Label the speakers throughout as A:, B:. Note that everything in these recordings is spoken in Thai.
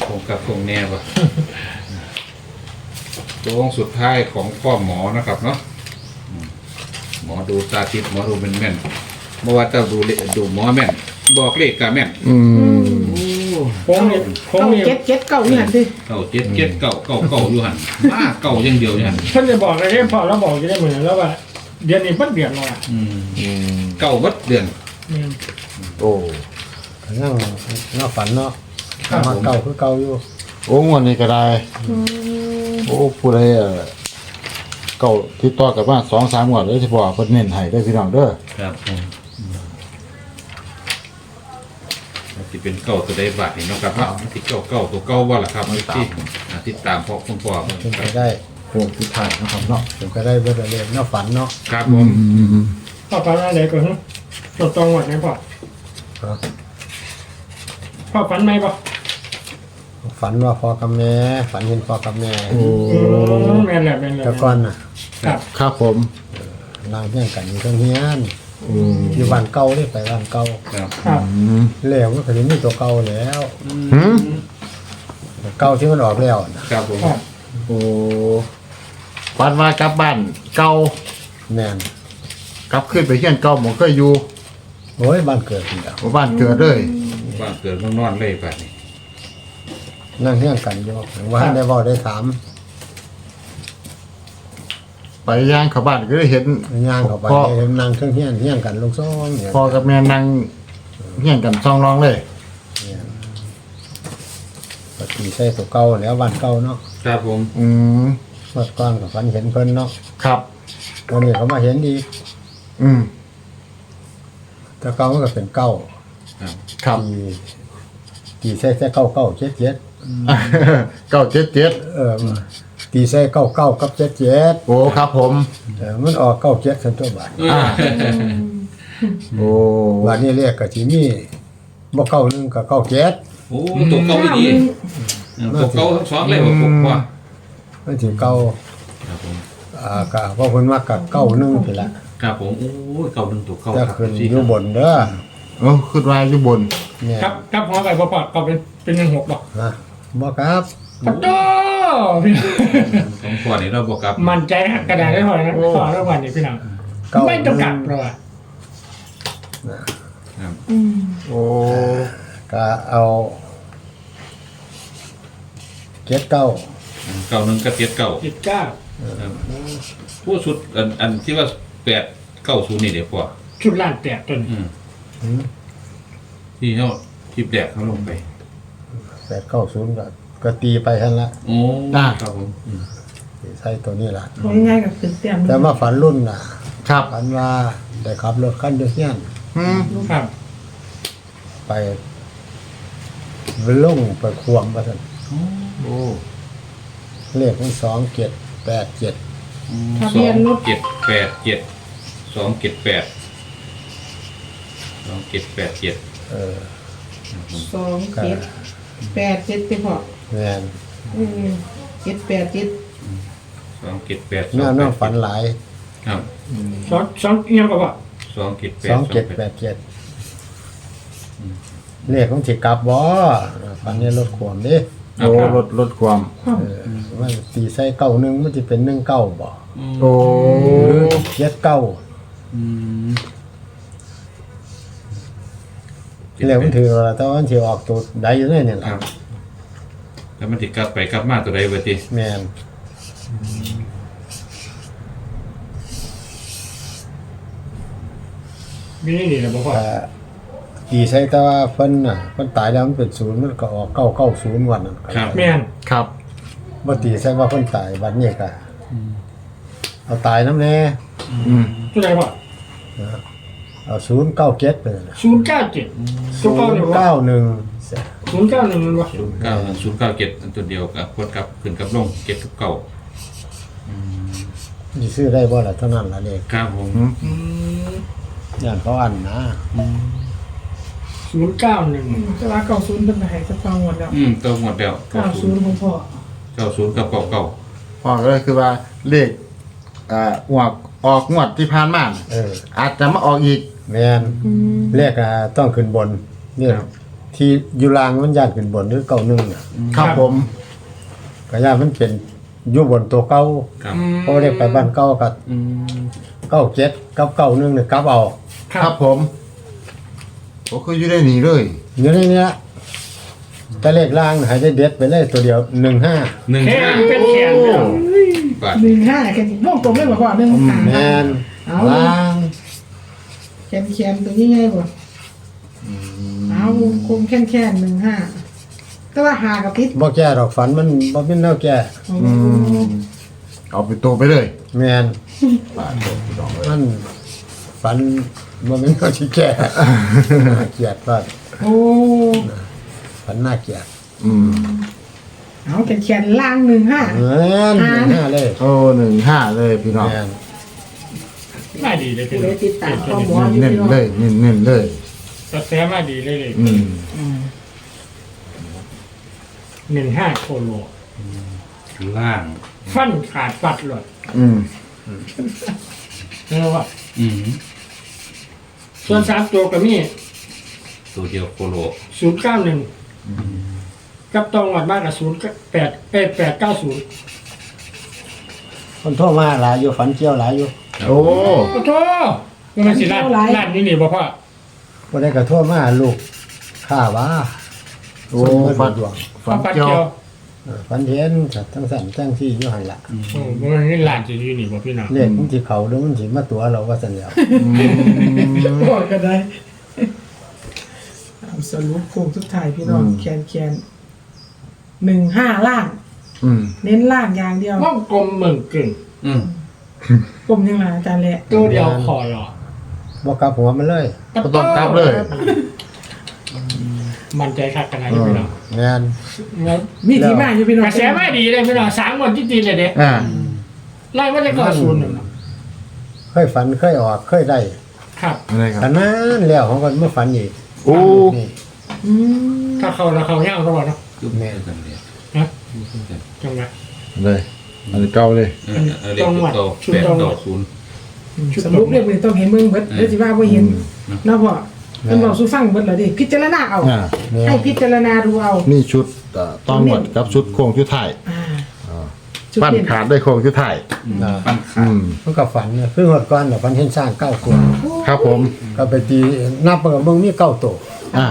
A: คงกับคงแน่ป่ะตัวสุดท้ายของพ่อหมอนะครับเนาะหมอดูตาทิพย์หมอดูเป็นแม่นเมื่อว่าจะดูหมอแม่นบอกเลขกาแม่นโอ้
B: โค้งเนี่ยโค้งเนี่ย
C: เจ็ดเก้านี่หันดิ
A: เก่า7 เก่าอยู่หันมาเก่าอย่างเดียวอยู่หัน
B: ท่านจะบอกอะไรพอเราบอกจะได้เหมือนแล้วว่าเดือนนี้เพิ่งเดือนเราอ่ะ
A: เก่าวัดเดือน
D: โอ้
E: นั่งฝันเนาะ
B: ครับ
E: มาเก่าคือเก่าอยู่
D: โอ้งวดนี้ก็ได้โอ้ผู้ใดเก่าที่ต่อกับว่า2-3งวดเลยที่พ่อเพิ่นเน้นให้ได้อพี่น้องเด้อ
A: ครับที่เป็นเก่าตัวใดบาทนี่เนาะครับว่าที่เก่าตัวเก่าว่าล่ะครับที่ติดตามพ่อคุณพ่อ
E: เป็นไปได้
D: โค้งสุดท้ายนะครับเนาะ
E: เป็นไปได้เบิดเลยเนาะฝันเนาะ
A: ครับผม
B: พ่อฝันอะไรก่อนฮะตดตรงหมดไหมพ่อ
E: ครับ
B: พ่อฝันไหมพ่อ
E: ฝันว่าพ่อกับแม่ฝันเห็นพ่อกับแม่
D: โอ้
B: แม่นแหละแม่นแหละ
E: แต่ก่อนน่ะ
B: ครับ
D: ครับผม
E: นางเฮี้ยงกันอยู่ทางเฮียน
D: อืม
E: อยู่บ้านเก่าเลยไปบ้านเก่า
A: ครับ
B: ครับ
E: แล้วมันก็จะมีตัวเก่าแล้ว
D: หืม
E: ตัวเก่าที่มันออกแล้วน่ะ
A: ครับผม
B: ครับ
D: โอ้ฝันว่ากลับบ้านเก่า
E: แม่น
D: กลับขึ้นไปเฮียนเก่าหมองเคยอยู่
E: โอ้ยบ้านเกิดนี่แหละ
D: บ้านเกิดเลย
A: บ้านเกิดเมืองนอนเลยบาทนี่
E: นั่งเฮี้ยงกันอยู่ว่าได้เว้าได้ถาม
D: ไปย่างเข้าบ้านก็ได้เห็น
E: ย่างเข้าไป
D: พ่อ
E: เห็นนางเครื่องเฮี้ยนเฮี้ยงกันลูกซ้อนเนี่ย
D: พ่อกับแม่นั่งเฮียนกันซองร้องเลย
E: ปกติใช้ตัวเก่าแล้วบ้านเก่าเนาะ
A: ครับผม
D: อืม
E: เมื่อก่อนก็ฝันเห็นเพิ่นเนาะ
D: ครับ
E: วันนี้เขามาเห็นอีก
D: อืม
E: แต่เก่ามันก็เป็นเก้า
A: ครับ
D: ครับ
E: ตีใส่เก้าเก้าเจ็ดเจ็ด
D: 977
E: ตีใส่เก้าเก้ากับเจ็ดเจ็ด
D: โอ้ครับผม
E: มันออกเก้าเจ็ดสันตัวบาท
D: โอ้
E: บาทนี้เรียกกะทีนี่บ่เก้าหนึ่งกับเก้าเจ็ด
A: โอ้ตัวเก่าอีดีตัวเก่าทั้งสองเลยผมว่า
E: มันถึงเก้า
A: ครับผม
E: กะเพราะเพิ่นมากับเก้าหนึ่งไปละ
A: ครับผมโอ้เก่าหนึ่งตัวเก่า
E: จะ
A: ครับ
E: ขึ้นอยู่บนเด้อ
D: โอ้ขึ้นว่าอยู่บน
E: เนี่ย
B: ครับครับหัวไปพ่อก็เป็น16บอก
E: นะบ่ครับ
B: ปัดโต
A: ของพ่อนี่เราบอกครับ
B: มั่นใจนะกระดาษได้พอนะขอรางวัลนี่พี่น้อง
E: เก้า
B: ไม่ต้องกลับเราอะ
A: ครับ
D: โอ้
E: ก็เอาเจ็ดเก้า
A: เก่าหนึ่งกับ7 เก่า
B: 19
A: ครับผู้สุดอันที่ว่า890นี่เดี๋ยวพ่อ
B: ชุดล้านแตกต้น
A: ที่เขาคลิปแดกเขาลงไป
E: 890ก็ตีไปหั่นละ
A: โอ้ครับผม
E: ใช้ตัวนี้ล่ะ
C: ง่ายๆกับคือเตรียม
E: แต่มาฝันรุ่นน่ะ
D: ครับ
E: ฝันว่าได้ขับรถคันเดียวเฮียน
D: อืม
B: ครับ
E: ไปลงไปควงมาสั่น
D: โอ้
E: เลขมัน2787
C: ทะเบียนรถ
A: 2787 2787
E: เออ
C: 2787ไปพอ
E: แม่น
C: 787
A: 278
E: น่าน้องฝันหลาย
A: ครับ
B: สองเอียงก็พอ
A: 278
E: เลขของสิกลับบ่ฝันในรถขวมเด้
D: โอ้ลดความ
E: เออมันตีใส่91มันสิเป็น19บ่
D: โอ้
E: หรือ79เลขมันถือว่าแต่ว่ามันสิออกตัวใดอยู่เนี่ย
A: ค
E: ล่ะ
A: รับแล้วมันติดกลับไปกลับมาตัวใดเวที
E: แม่น
B: มีนี่นี่แหละบอกว่า
E: แต่ตีใส่แต่ว่าเพิ่นน่ะเพิ่นตายแล้วมันเป็น0มันก็ออก990วันนั้น
B: แม่น
D: ครับ
E: บ่ตีใส่ว่าเพิ่นตายวันนี้ก็เอาตายนำแน่
D: อืม
B: ตัวไหนพ่อ
E: เอา097ไปนั่นน่ะ
B: 097ตัวเก้าเนี่ยว่า
E: 091
B: 091มันว่า
A: 097อันตัวเดียวกับคนกับขึ้นกับลงเก็บกับเก่า
E: สิซื้อได้บ่ล่ะเท่านั้นล่ะเลข
A: ครับผม
E: ย่านเขาอันนะ
B: 091
C: จะว่า90เป็นไหนจะฟังหมดแล้ว
A: ตัวหมดแล้ว
C: 90ของพ่อ
A: 90กับเก่า
D: พ่อก็เลยคือว่าเลขออกงวดที่ผ่านมาน่ะ
E: เออ
D: อาจจะมาออกอีก
E: แม่นเลขต้องขึ้นบนนี่ที่อยู่ล่างมันย่านขึ้นบนหรือเก่าหนึ่งน่ะ
D: ครับผม
E: ก็ย่านมันเป็นอยู่บนตัวเก่า
A: ครับ
E: เพราะได้ไปบ้านเก่ากับ
A: อืม
E: 97กับ91เนี่ยกลับเอา
D: ครับผมก็คืออยู่ได้หนีเลย
E: อยู่ในนี้ละแต่เลขล่างน่ะให้ได้เด็ดไปเลยตัวเดียว15
A: หนึ่ง
B: แค่
A: ห้า
B: เป็นแขนเดียว
A: บาท
C: 15แค่วงกลมเลยบ่พ่อ1
E: แม่น
C: เอา
E: ล่าง
C: แคนตัวนี้ไงบ่เอาวงกลมแค่15แต่ว่าหากับพิษ
E: บ่แก้ดอกฝันมันบ่เป็นแนวแก้
C: โอ้
D: เอาไปโตไปเลย
E: แม่น
D: บาทโตพี่น้องเลย
E: มันฝันบ่เป็นแนวที่แก้น่าเกลียดว่า
C: โอ้
E: ฝันน่าเกลียด
C: เอาแคนล่าง15
E: แม่น15เลย
D: โอ้15เลยพี่น้อง
E: แม่น
B: มาดีเลยพี่
C: เล
B: น้อย ง
C: ติดตามข้อมูลอยู่
D: เน้น
C: พี่น้อง
D: เลยเน้นเลย
B: กระแสมาดีเลยเลย 15โคโล
A: ล่าง
B: ฟันขาดปัดหลด เรียกว่า
A: อืม
B: ส่วน3ตัวก็มี
A: ตัวเดียวโคโล
B: 091กับตรงวัดบ้านกับ890
E: คนโทรมาหลายอยู่ฝันเกี่ยวหลายอยู่
D: โอ้
B: โอ้โหมันสิร้านนี้นี่บ่พ่อ
E: บ่ได้ก็โทรมาลูกข้าว่า
D: โอ้
E: ฝั
D: ฟั
E: น
D: น
E: ดวง
D: ฟัน
B: ปัด
D: เกี่ยว
B: เกี่ยว
E: ฝันเห็นทั้งสั่นทั้งที่อยู่หั่นล่ะ
B: มันนี่ร้านจะอยู่นี่บ่พี่น้อง
E: เลขมันสิเข้าหรือมันสิมาตัวเราว่าซั่นแล้ว
C: บอกก็ได้เอาสรุปโค้งสุดท้ายพี่น้องแคน15ล่าง เน้นล่างอย่างเดียว
B: ว่องกลมเหมือนกึ่ง
A: อืม
C: กลมยังไงอาจารย์แหละ
B: ตัวเดียวคอหรอ
E: บ่กลับหัวมันเลย
D: ก็ต้องกลับเลย
B: มันใจคักกันนะพี่น้อง
E: แม่น
C: มีที่มาอยู่พี่น้อง
B: กระแสไม่ดีเลยพี่น้อง3วันที่จีนเลยเด้
D: อ่า
B: ไล่ว่าจะก่อศูนย์
E: เคยฝันเคยออกเคยได้
B: ครับ
D: อะไรครับ
E: ขนาดแล้วของก็มาฝันอีก
D: โอ้
E: นี่
C: อืม
B: ถ้าเขาเราเขาย่างเขาบอกเนาะ
A: คือแม่กันเลย
B: นะจังหวะ
D: เลยอันนี้เก่าเลย
A: เลขตัวโต890
C: สรุปเรียกเลยต้องเห็นเมืองเบิดเดี๋ยวสิว่าบ่เห็นเนาะพ่อเพิ่นบอกสู่ฟังเบิดแล้วดิพิจารณาเอา
D: อ่า
C: ให้พิจารณาดูเอา
D: นี่ชุดต้องหมดกับชุดโค้งชุดไทาย
C: อ่าจุด
D: ปั้น
C: เด่น
D: ขาดได้โค้งชุดไทาย
A: ปั้นขา
E: มันก็ฝันเนี่ยคือหดก่อนน่ะฝันเห็นสร้าง9ตัว
D: ครับผม
E: ก็ไปตีนับมันก็เบิ่งมี9ตัว
D: อ่า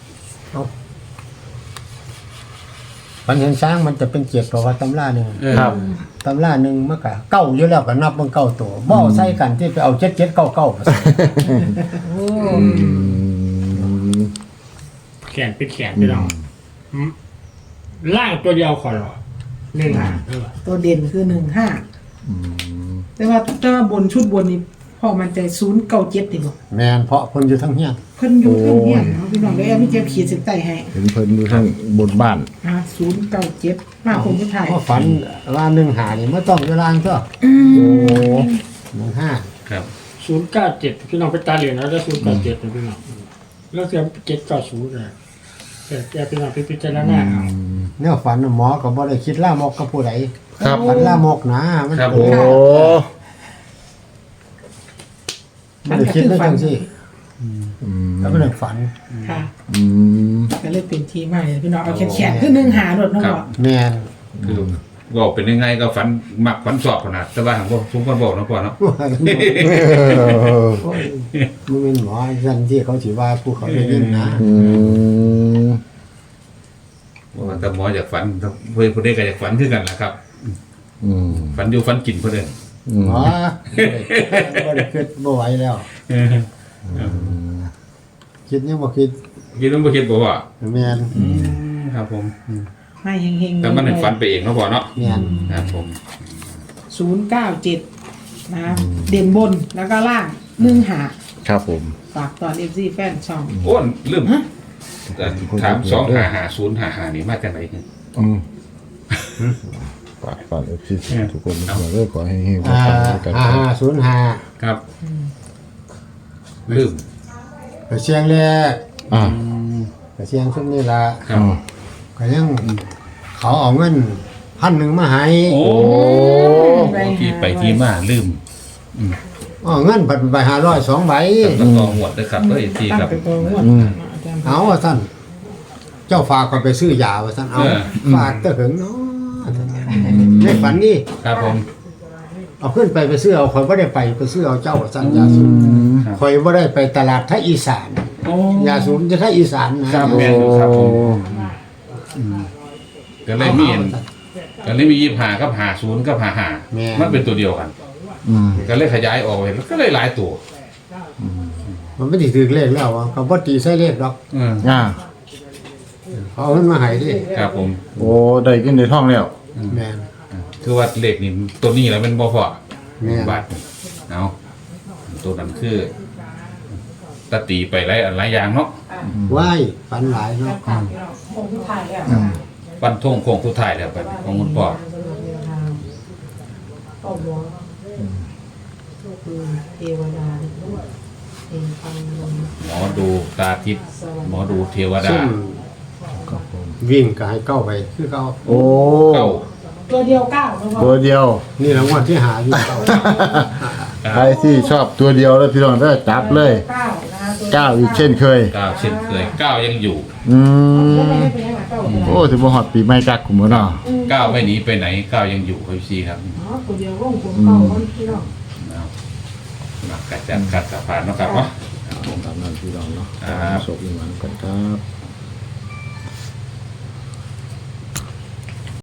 E: ฝันเห็นช้างมันจะเป็น7เพราะว่าตำราหนึง
D: ครับ
E: ตำราหนึงมันก็เก้าอยู่แล้วก็นับมัน9ตัวบ่เอาใส่กันที่ไปเอา7799มาใส่
B: แขนเป็นแขนพี่น้องล่างตัวเดียวคอหรอ1
C: ตัวเด่นคือ15แต่ว่าบนชุดบนนี้พ่อมันใจ097ดิบ่
E: แม่นเพราะเพิ่นอยู่ทั้งเฮียน
C: เพิ่นอยู่เพิ่นเฮียนเนาะพี่น้องได้มีเจ็บขีดเส้นใต้ให้
D: เห็นเพิ่นอยู่ทางบนบ้าน
C: 097มาคงสุดท้าย
E: เพราะฝันว่า1หานี่มันต้องเวลาตัว
D: โอ้
E: 15
A: ครับ
B: 097พี่น้องไปตาเหรียญแล้วได้097นะพี่น้องแล้วเสีย790เลยแต่แกพี่น้องพิจารณาเอา
E: แนวฝันน่ะหมอก็บ่ได้คิดลามกกับผู้ใด
D: ครับ
E: ฝันลามกนะมัน
A: ครับ
D: โอ้
E: ไม่ได้คิดเลยจังซี่ แล้วมันฝัน
C: ค่ะ
D: อืม
C: ก็เลยเป็นที่มาเลยพี่น้องเอาแขนๆคือ15โดดเนาะ
A: ครับ
C: พ่อ
E: แม่น
A: คือบอกเป็นยังไงก็ฝันมักฝันสอบขนาดแต่ว่าผมทุกคนบอกนะพ่อเนาะ
E: โอ้ยมันเป็นหมอจันที่เขาสิว่าผู้เขาได้ยินนะ
D: อืม
A: ว่าแต่หมออยากฝันเพื่อนคนนี้ก็อยากฝันคือกันแหละครับ
D: อืม
A: ฝันอยู่ฝันกินเพื่อน
E: หมอบ่ได้คิดบ่ไหวแล้ว คิดยังบ่คิด
A: คิดว่าบ่คิดบอกว่า
E: แม่น
A: ครับผม
C: ให้เฮงๆ
A: แต่มันให้ฝันไปเองเนาะพ่อเนาะ
E: แม่น
A: ครับผม
C: 097นะเด่นบนแล้วก็ล่าง15
D: ครับผม
C: ฝากตอน FC แฟนช่อง
A: โอ้นลืมแต่ถาม255055นี่มาจากไหนเนี่ย
D: อืมฝากพี่ทุกคนมาเรื่อยขอให้เฮงๆ
E: อ่า
D: กัน
E: 5505
A: ครับลืม
E: ก็เสียงแรก
D: อ่า
E: ก็เสียงซุมนี้ล่ะ
A: ครับ
E: ก็ยังเขาเอาเงิน1,000มาให้
A: โอ้ที่ไปที่มาลืม
E: เอาเงินผัดไป500 2ใบ
A: แล้วก็หวดนะครับเอ้ยที่
C: ตั้ง
A: ครับ
C: เป็นตัวงวดอาจารย์
E: เอาว่าซั่นเจ้าฝากก่อนไปซื้อยาว่าซั่นเอา
A: เออ
E: ฝากเตะหึงเนาะในฝันนี่
A: ครับผม
E: เอาขึ้นไปซื้อเอาข่อยบ่ได้ไปซื้อเอาเจ้าว่าซั่นยาสูบข่อยบ่ได้ไปตลาดไทยอีสาน
A: โอ้
E: ยาสูบจะไทยอีสานนะครับ
A: แม่นอยู่ครับผมก็เลยมี25กับ50กับ55มันเป็นตัวเดียวกัน
D: อืม
A: ก็เลยขยายออกไปก็เลยหลายตัว
E: มันไม่ได้ถือเลขแล้วอ่ะเขาบ่ตีใส่เลขหรอก
D: อ่า
E: เขาเอามันมาให้ดิ
A: ครับผม
D: โอ้ได้กินในท้องแล้ว
E: แม่น
A: คือว่าเลขนี่ตัวนี้แล้วมันบ่พอ
E: แม่น
A: บาทนี่เอาตัวนั้นคือตะตีไปหลายอย่างเนาะ
E: ว้ายฝันหลายเนาะ
A: ปันทงโค้งสุดท้ายแล้วไปของคุณพ่อ
C: พ่อหมอเทวดาเองฟังลม
A: หมอดูตาทิพย์หมอดูเทวดา
E: ซึ่งวิ่งก็ให้เก้าไปคือเก้า
D: โอ้
A: เก้า
C: ตัวเดียว9แล้ว
D: ตัวเดียว
E: นี่รางวัลที่หาอยู่เก้า
D: ใครที่ชอบตัวเดียวแล้วพี่น้องได้จับเลย
C: 9นะคะตัว
D: เก้าอีกเช่นเคย
A: เก้าเช่นเคยเก้ายังอยู่
D: อื
C: ไม่
D: ม
C: ได้เป็นยังไงเก้า
D: โอ้ถือว่าฮอดปีใหม่กักกุมเนาะ
A: เก้าไม่หนีไปไหนเก้ายังอยู่ครับพี่ครับ
C: อ๋อตัวเดียวร่องผมเก้าคนพี่น้อง
A: เอามากัดจัดกัดสะพานเนาะครับเนาะ
D: ตามนั้นพี่น้องเนาะ
A: ครับ
D: โชคดีหวันกันครับ